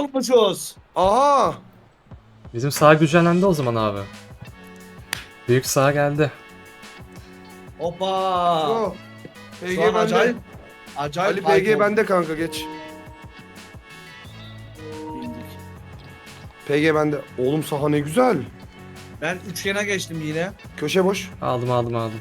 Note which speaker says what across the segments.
Speaker 1: olmuşuz.
Speaker 2: Aha.
Speaker 3: Bizim sağ güçlendi o zaman abi. Büyük sağ geldi.
Speaker 1: Hoppa.
Speaker 2: Oh. PG
Speaker 1: Şu an
Speaker 2: bende.
Speaker 1: acayip. Acayip.
Speaker 2: Ali
Speaker 1: hype
Speaker 2: PG
Speaker 1: oldu.
Speaker 2: bende kanka geç.
Speaker 1: Bildik.
Speaker 2: PG bende. Oğlum saha ne güzel.
Speaker 1: Ben üçgene geçtim yine.
Speaker 2: Köşe boş.
Speaker 3: Aldım.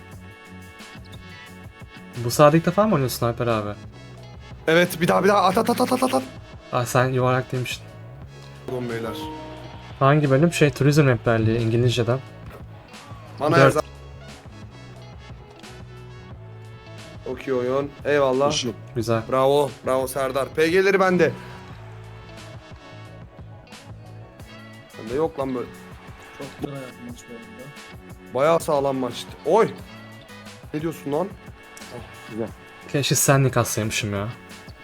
Speaker 3: Bu sağda ilk defa mı oynuyorsun Alper abi?
Speaker 2: Evet bir daha at.
Speaker 3: Ah sen yuvarlak demiştin.
Speaker 2: Oğlum beyler.
Speaker 3: Hangi bölüm? Turizm rehberliği İngilizceden.
Speaker 2: Bana
Speaker 3: Dört.
Speaker 2: yazar. Okey oyun. Eyvallah.
Speaker 3: Güzel.
Speaker 2: Bravo. Bravo Serdar. PG'leri bende. Bende yok lan böyle.
Speaker 1: Çok lira yapmış bu arada.
Speaker 2: Bayağı sağlam maçtı. Oy. Ne diyorsun lan?
Speaker 3: Keşke senlik atsaymışım ya.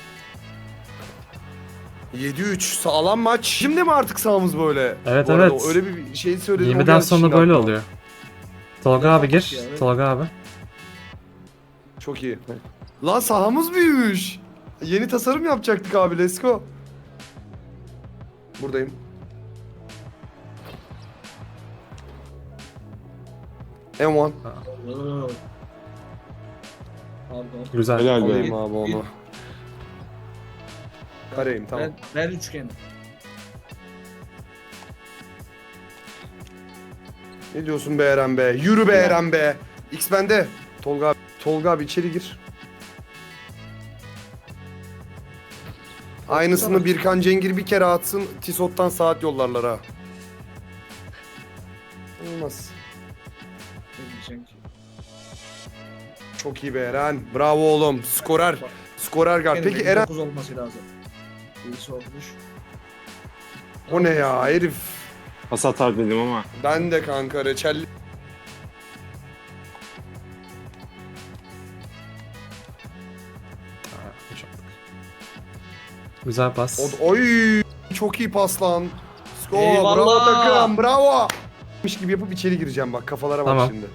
Speaker 2: 7-3 sağlam maç. Şimdi mi artık sahamız böyle?
Speaker 3: Evet,
Speaker 2: Bu arada
Speaker 3: evet.
Speaker 2: öyle bir şey söyledim. o
Speaker 3: 20'den
Speaker 2: geldi
Speaker 3: sonra
Speaker 2: şimdi
Speaker 3: böyle
Speaker 2: aklıma.
Speaker 3: oluyor. Tolga abi gir.
Speaker 1: Ya, evet.
Speaker 3: Tolga abi.
Speaker 2: Çok iyi. Lan sahamız büyümüş. Yeni tasarım yapacaktık abi. Let's go. Buradayım. M1.
Speaker 1: Pardon.
Speaker 3: Güzel.
Speaker 4: Helal
Speaker 2: Alayım
Speaker 4: be.
Speaker 2: abi onu. Kareyim tamam.
Speaker 1: Ben üçgenim.
Speaker 2: Ne diyorsun be Eren be? Yürü be Eren be. X bende. Tolga abi. Tolga abi içeri gir. Aynısını Birkan Cengir bir kere atsın. Tisot'tan saat yollarlar ha. Olmaz.
Speaker 1: Ne diyeceksin ki?
Speaker 2: Çok iyi be Eren. Bravo oğlum. Skorer. Skorer guard. Peki Eren
Speaker 1: 9 olması lazım. Birisi olmuş.
Speaker 2: o ne ya herif?
Speaker 4: Pas atar dedim ama.
Speaker 2: Ben de kanka reçelli.
Speaker 3: Güzel pas.
Speaker 2: Oy çok iyi pas lan. Sko
Speaker 1: Eyvallah.
Speaker 2: bravo takım bravo. Miş gibi yapıp içeri gireceğim bak kafalara bak
Speaker 3: Tamam.
Speaker 2: şimdi.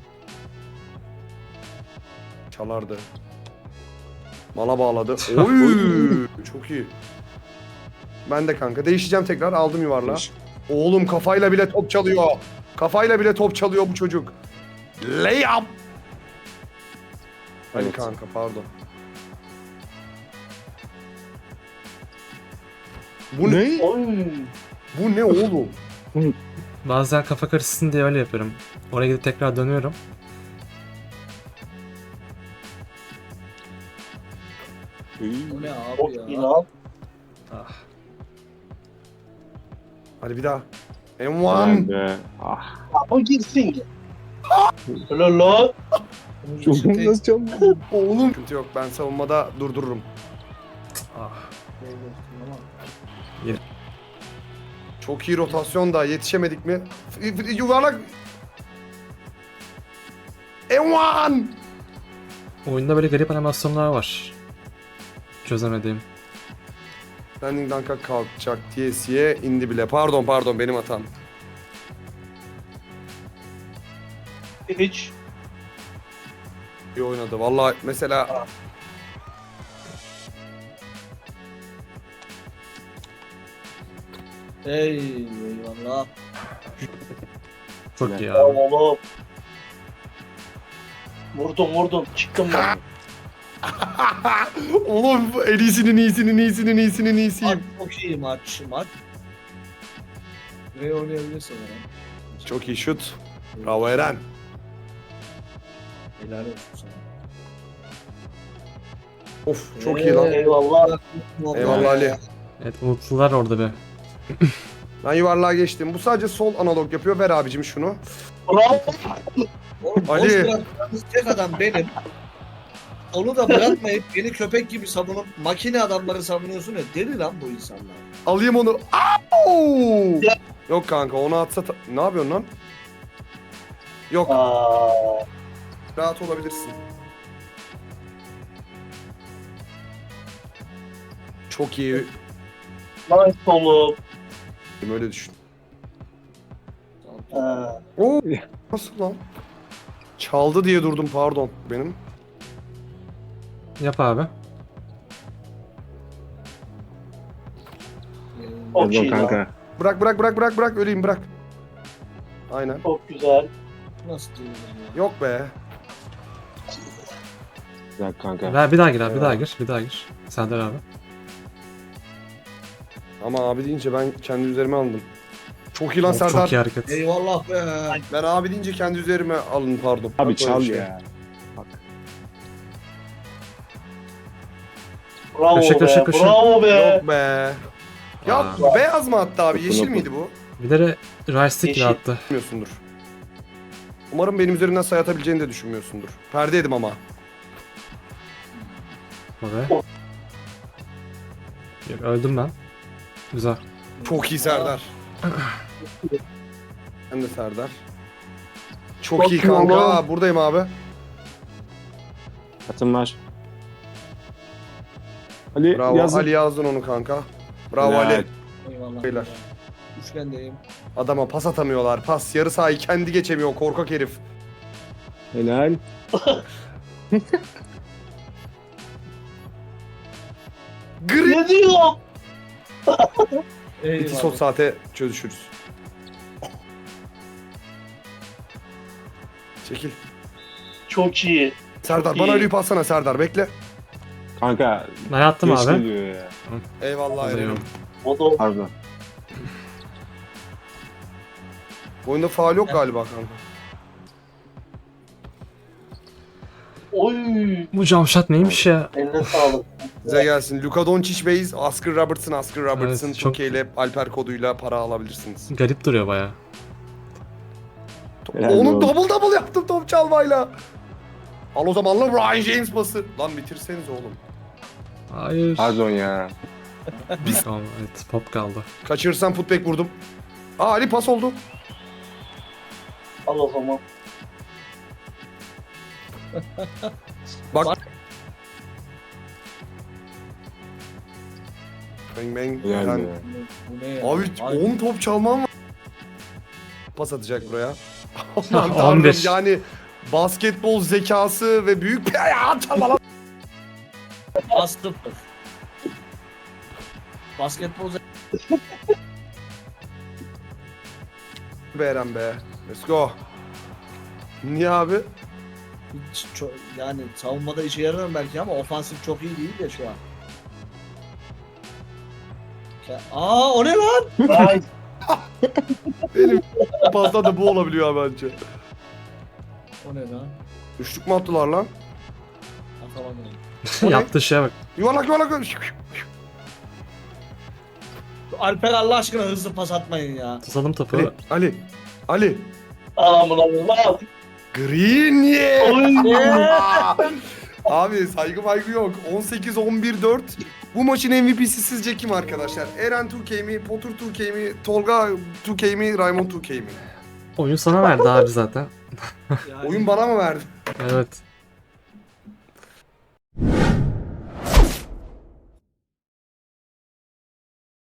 Speaker 2: Çalardı. Mala bağladı. Oy çok iyi. Ben de kanka değişeceğim tekrar aldım yuvarlağı. Oğlum kafayla bile top çalıyor. Kafayla bile top çalıyor bu çocuk. Layup. Hani
Speaker 4: Evet.
Speaker 2: kanka pardon. Bu ne? Bu ne oğlum?
Speaker 3: Bazen kafa karışsın diye öyle yapıyorum. Oraya gidip tekrar dönüyorum.
Speaker 1: O ne abi ya?
Speaker 3: Ah.
Speaker 2: Hadi bir daha.
Speaker 4: Helal
Speaker 2: M1.
Speaker 4: be. Ah.
Speaker 5: O girsin. Lolo.
Speaker 4: Çok nasıl çaldı?
Speaker 2: Oğlum. Sıkıntı yok ben savunmada durdururum.
Speaker 3: Ah.
Speaker 2: Çok iyi rotasyon da yetişemedik mi? Yuvarlak. M1.
Speaker 3: Oyunda böyle garip animasyonlar var. Çözemediğim.
Speaker 2: Landing dunk'a kalkacak TS'ye indi bile. Pardon benim hatam.
Speaker 5: Hiç.
Speaker 2: İyi oynadı. Vallahi mesela
Speaker 1: Eyvallah.
Speaker 3: Çok iyi
Speaker 5: Bravo
Speaker 3: abi.
Speaker 5: oğlum. Vurdum. Çıktım ben.
Speaker 2: oğlum en iyisinin iyisiyim.
Speaker 1: Çok iyi maç. Buraya oynayabilirsin Eren.
Speaker 2: Çok iyi şut. Bravo Eren.
Speaker 1: Helal olsun sana.
Speaker 2: Of çok iyi lan.
Speaker 5: Eyvallah.
Speaker 2: Eyvallah Ali.
Speaker 3: Evet unuttular orada be.
Speaker 2: Ben yuvarlığa geçtim. Bu sadece sol analog yapıyor. Ver abicim şunu.
Speaker 5: Bravo.
Speaker 1: Oğlum
Speaker 2: Ali.
Speaker 1: boş bıraktığınız tek adam benim. Onu da bırakmayıp beni köpek gibi savunup makine adamları savunuyorsun ya. Deli lan bu insanlar.
Speaker 2: Alayım onu. Au! Yok kanka onu atsa... Ne yapıyorsun lan? Yok.
Speaker 5: Aa,
Speaker 2: Rahat olabilirsin. Çok iyi.
Speaker 5: nice oğlum.
Speaker 2: Öyle düşün.
Speaker 5: Ha.
Speaker 2: Oo, nasıl lan? Çaldı diye durdum pardon benim.
Speaker 3: Yap abi.
Speaker 5: Çok iyi
Speaker 4: Pardon
Speaker 5: lan.
Speaker 4: kanka.
Speaker 2: Bırak öleyim bırak. Aynen.
Speaker 5: Çok güzel.
Speaker 1: Nasıl değil ya?
Speaker 2: Yok be.
Speaker 4: Güzel kanka.
Speaker 3: Ver bir daha gir abi, bir daha gir, bir daha gir. Serdar abi.
Speaker 2: Ama abi deyince ben kendi üzerime aldım. Çok iyi lan
Speaker 3: Of,
Speaker 2: Serdar.
Speaker 3: çok iyi hareket.
Speaker 1: Eyvallah be.
Speaker 2: Ben abi deyince kendi üzerime alın pardon.
Speaker 4: Abi
Speaker 2: Yok
Speaker 4: çal
Speaker 2: öyle şey.
Speaker 4: ya. Bak.
Speaker 5: Bravo
Speaker 3: Köşe,
Speaker 5: be.
Speaker 3: köşe, köşe.
Speaker 5: Bravo be.
Speaker 2: Yok be. Ya
Speaker 3: Aa.
Speaker 2: beyaz mı attı abi? Yeşil
Speaker 4: Dokun,
Speaker 2: miydi bu?
Speaker 3: Bir de Rice
Speaker 5: Yeşil.
Speaker 3: attı.
Speaker 2: Düşünmüyorsundur. Umarım benim üzerinden sayı atabileceğini de düşünmüyorsundur. Perdeydim ama.
Speaker 3: Abi. Yok, öldüm ben. Güzel.
Speaker 2: Çok iyi Serdar. Ben de Serdar. Çok
Speaker 5: Çok
Speaker 2: iyi
Speaker 5: iyi
Speaker 2: kanka.
Speaker 5: oğlum.
Speaker 2: Aa, buradayım abi.
Speaker 4: Atın var. Ali
Speaker 2: Bravo.
Speaker 4: yazın.
Speaker 2: Ali yazdın onu kanka. Bravo
Speaker 4: Helal.
Speaker 2: Ali.
Speaker 1: Eyvallah.
Speaker 2: Beyler.
Speaker 1: Üçgendeyim.
Speaker 2: Adama pas atamıyorlar. Pas. Yarı sahayı kendi geçemiyor. Korkak herif.
Speaker 4: Helal.
Speaker 2: Gri.
Speaker 5: Ne diyor?
Speaker 2: İki sol saate çözüşürüz. Çekil.
Speaker 5: Çok iyi.
Speaker 2: Serdar
Speaker 5: Çok
Speaker 2: bana
Speaker 5: iyi.
Speaker 2: Ali'yi passana Serdar bekle.
Speaker 4: Kanka
Speaker 3: Ben attım
Speaker 4: geç
Speaker 3: abi.
Speaker 4: geliyor ya.
Speaker 2: Eyvallah
Speaker 3: Alıyorum.
Speaker 2: Eren'im.
Speaker 5: O da
Speaker 4: Pardon.
Speaker 2: Bu oyunda faul yok galiba kanka.
Speaker 5: Oy.
Speaker 3: Bu camşat neymiş ya?
Speaker 5: Eline sağlık.
Speaker 2: Size gelsin. Luka Doncic Base, Oscar Robertson,
Speaker 3: Evet, çok-
Speaker 2: Türkiye ile Alper koduyla para alabilirsiniz.
Speaker 3: Garip duruyor baya.
Speaker 4: Helal
Speaker 2: Onun
Speaker 4: olsun.
Speaker 2: double yaptım top çalmayla. Al o zaman lan Ryan James pası. Lan bitirseniz oğlum.
Speaker 3: Hayır.
Speaker 4: Pardon ya.
Speaker 3: Tamam, evet, pop kaldı.
Speaker 2: Kaçırırsam putback vurdum. Aa Ali pas oldu.
Speaker 5: Al o zaman.
Speaker 2: Bak. Bang bang.
Speaker 4: Helal
Speaker 2: Yani-
Speaker 4: be.
Speaker 1: Bu ne ya?
Speaker 2: Abi
Speaker 1: Ay,
Speaker 2: 10 top çalmam var. Pas atacak buraya. Aman
Speaker 3: 11.
Speaker 2: tanrım yani basketbol zekası ve büyük bir ayağı çalma lan.
Speaker 1: Bastım. Basketbol
Speaker 2: Be Eren be. Let's go. Niye abi?
Speaker 1: hiç yani savunmada işe yarar belki ama ofansif çok iyi değil de şu an. Aa o ne lan?
Speaker 5: Ay.
Speaker 2: Benim pasta da bu olabiliyor abi bence.
Speaker 1: O ne lan?
Speaker 2: Üçlük mü attılar lan?
Speaker 1: Atamadım.
Speaker 3: Yaptığı şeye bak.
Speaker 2: Yuvarlak.
Speaker 1: Alper Allah aşkına hızlı pas atmayın ya.
Speaker 3: Tutalım topu.
Speaker 2: Ali.
Speaker 5: Amına koyayım.
Speaker 2: Green yeah.
Speaker 5: Oy.
Speaker 2: Abi saygı yok. 18-11-4. Bu maçın MVP'si sizce kim arkadaşlar? Eren 2K mi? Potter 2K mi? Tolga 2K mi? Raymond 2K mi?
Speaker 3: Oyun sana verdi abi zaten.
Speaker 1: Yani
Speaker 2: Oyun bana mı verdi?
Speaker 3: Evet.